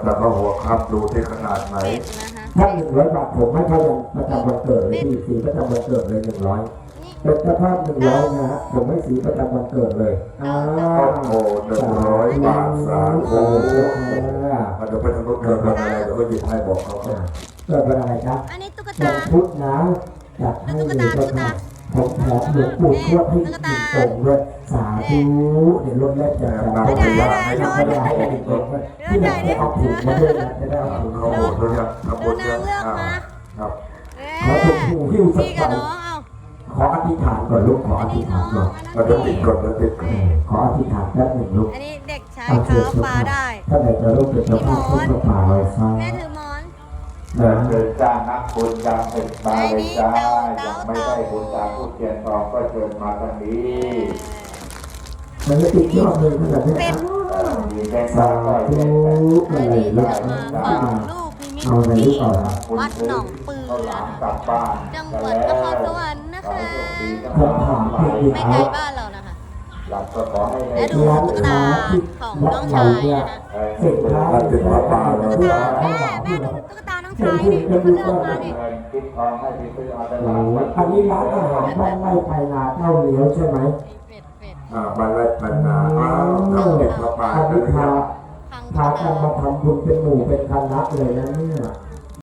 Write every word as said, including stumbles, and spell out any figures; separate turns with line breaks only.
แต่ก็หัวครับดูที่ขนาดไหน
ถ้า
เป็ดนะคะ
หนึ่งร้อยบาทผมให้เขายังประจำวันเกิดเลยที่สีประจำวันเกิดเลยหนึ่งร้อยเป็นเจ้าภาพหนึ่งร้อยนะฮะผมให้สีประจำวันเกิดเลยอ้า
โอ้โหหนึ่งร้อยบาทสามโอ้โหเดี๋ยวไปทางนู้นเกิดวันอะไรเดี๋ยวก็หยิบให้บอกเขา
เกิดวันอะไรครับ
อันนี้ตุ๊ก
วัน
ตา
พุธนะจัดให้เลยเจ้าภาพผมแถมหลวงปู่ทวดให้อีกหนึ่งองค์ด้วยสาธุเดี๋ยวรถแรกจะมาให้ให้ทำให้ได้ให้อีกองค์ด้วยที่ไหนได้เอาถุงมาด้วยนะจะได้เอาถุง
เขา
เขา
โหดด้วยยังทำบุ
ดู
ญ
นา
ยัง
งเลือกมา
ครับ
ขอถุงหูหิ้วสัก
พี่
ใบ
กับน้องเอา
ขออธิษฐานก่อนลูกขออธิษฐานก่อน
เราจะติดกดเราติดกด
ขออธิษฐานแป๊บหนึ่งลูก
อันนี้เด็กชายเท้าปลาได้
ถ้าไหนจะลูกเป็นเจ้าภาพทุกประปาลอยฟ้า
แม่ถือหมอน
เดินเดินจ้านักบุญยังเป็นมาเลยจ้ายังไม่ได้บุญจากผู้เทียนทองก็เชิญมาทางนี้
มันจะติดยอดเลยขนาดนี้
เป็ด
มีแบงค์
สา
ร้อย
ธุ
อั
อะ
น
ไร
นี้
ลู
จะ
ก
มาฝังลูกนิมิต
เอาอะไรลู
ที่
กเอาละ
วัดหนองปือ
เขาหลามกลับบ้าน
จังหวัดนครสวรรค์นะคะ
ผมถามเพียง
ไม่
เดี
ไกล
ยว
บ้านเรานะคะ
หลับก็ขอให้
และดู
ร้าน
ตุ๊กตา
ค้าที่
ของ
วั
น้
ด
อง
เรา
ชาย
เนี่ย
นะคะ
เสร็จท้ายเสร็จท้าย
ตุ๊กตาแม่แม่ดูตุ๊กตาน้องชายนี่เขาเลือกมาดิ
คิดทองให้ที่ซื้อเอาต
โอ้
ลาด
โหอันนี้ร้านอาหารบ้านไร่ไปนาเท่าเลี้ยวใช่ไหม
เป็ดเป็ด
อ่าบันไลบันนาอ้าวน้ำเด็กมาปา
อัน
กั
นี้
นเลย
พา
พัง
พากันมาทำบุญเป็นหมู่เป็นคณะเลยนะเนี่ย
อ